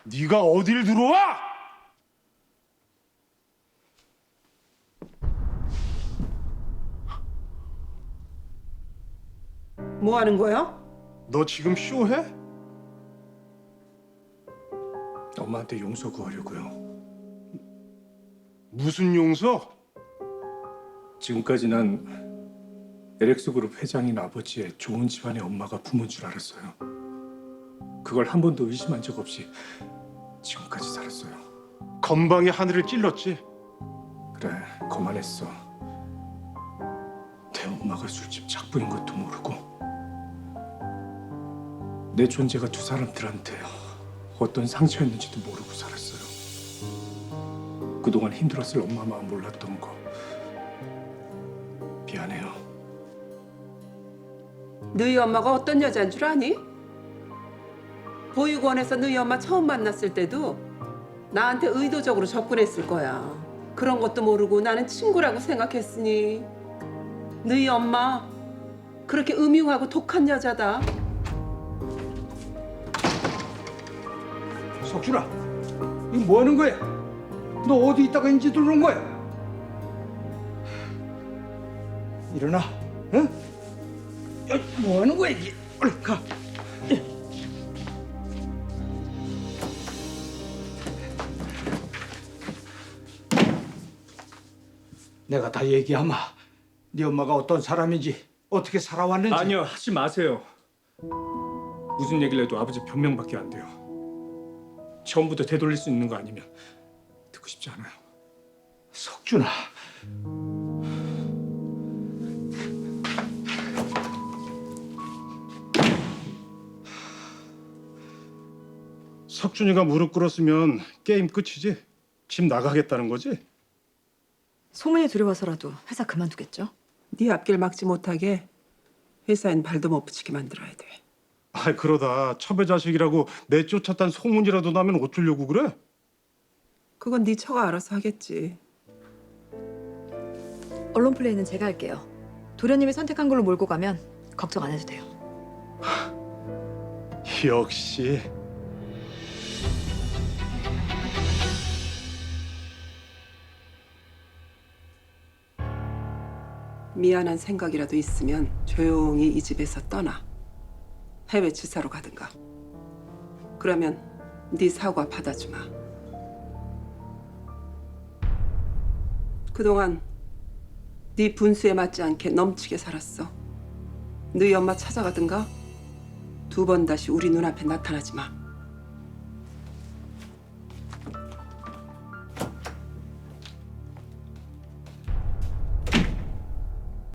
네가 어딜 들어와? 뭐 하는 거야? 너 지금 쇼해? 엄마한테 용서 구하려고요. 무슨 용서? 지금까지 난 LX그룹 회장인 아버지의 좋은 집안의 엄마가 부모인 줄 알았어요. 그걸 한 번도 의심한 적 없이 지금까지 살았어요. 건방에 하늘을 찔렀지. 그래, 거만했어. 내 엄마가 술집 작부인 것도 모르고 내 존재가 두 사람들한테 어떤 상처였는지도 모르고 살았어요. 그동안 힘들었을 엄마 마음 몰랐던 거 미안해요. 너희 엄마가 어떤 여자인 줄 아니? 보육원에서 너희 엄마 처음 만났을 때도 나한테 의도적으로 접근했을 거야. 그런 것도 모르고 나는 친구라고 생각했으니 너희 엄마 그렇게 음흉하고 독한 여자다. 석준아, 이거 뭐 하는 거야? 너 어디 있다가 인지 들어온 거야? 일어나, 응? 야, 뭐 하는 거야 이게? 얼른 가. 내가 다 얘기하마. 네 엄마가 어떤 사람인지 어떻게 살아왔는지. 아니요, 하지 마세요. 무슨 얘기를 해도 아버지 변명밖에 안 돼요. 처음부터 되돌릴 수 있는 거 아니면 듣고 싶지 않아요. 석준아. 석준이가 무릎 꿇었으면 게임 끝이지. 집 나가겠다는 거지? 소문이 두려워서라도 회사 그만두겠죠? 네 앞길 막지 못하게 회사엔 발도 못 붙이게 만들어야 돼. 아, 그러다 첩의 자식이라고 내쫓았단 소문이라도 나면 어쩌려고 그래? 그건 네 처가 알아서 하겠지. 언론 플레이는 제가 할게요. 도련님이 선택한 걸로 몰고 가면 걱정 안 해도 돼요. 역시. 미안한 생각이라도 있으면 조용히 이 집에서 떠나. 해외 지사로 가든가. 그러면 네 사과 받아주마. 그동안 네 분수에 맞지 않게 넘치게 살았어. 너희 엄마 찾아가든가 두 번 다시 우리 눈앞에 나타나지 마.